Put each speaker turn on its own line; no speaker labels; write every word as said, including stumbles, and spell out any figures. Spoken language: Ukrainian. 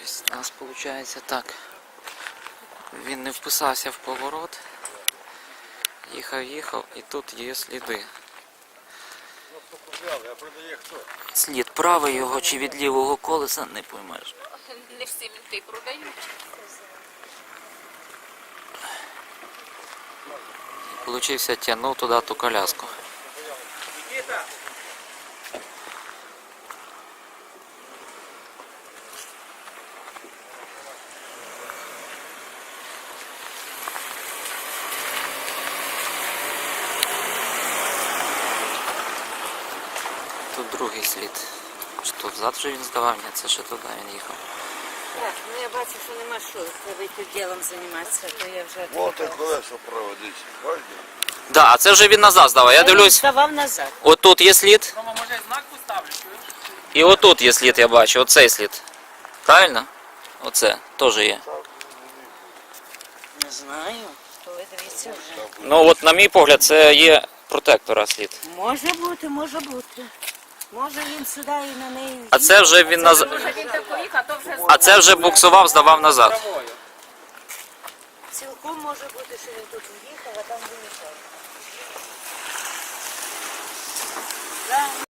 Тобто у нас виходить так. Він не вписався в поворот. Їхав, їхав і тут є сліди. Слід правий його чи від лівого колеса не поймеш.
Не всі вінти продають.
Получився, тягнув туди ту коляску. Тут другий слід. Що взад вже він здавав, ні, це ще туди він їхав.
Так, ну я бачу, що нема що, треба йти ділом займатися, то я вже...
Вот і колесо проводить. Бачите?
Да, а це вже він назад здавав. Я дивлюсь,
Здавав назад.
отут є слід.
Рома, може знак поставлю, чуєш?
І отут є слід, я бачу, оцей слід. Правильно? Оце теж є.
Не знаю, то ви дивіться вже.
Ну от на мій погляд, це є протектора слід.
Може бути, може бути. Може він сюди і на неї...
А це вже він назад.
Може він так поїхав, а то вже...
А це вже буксував, здавав назад.
Цілком може бути, що він тут в'їхав, а там виїхав.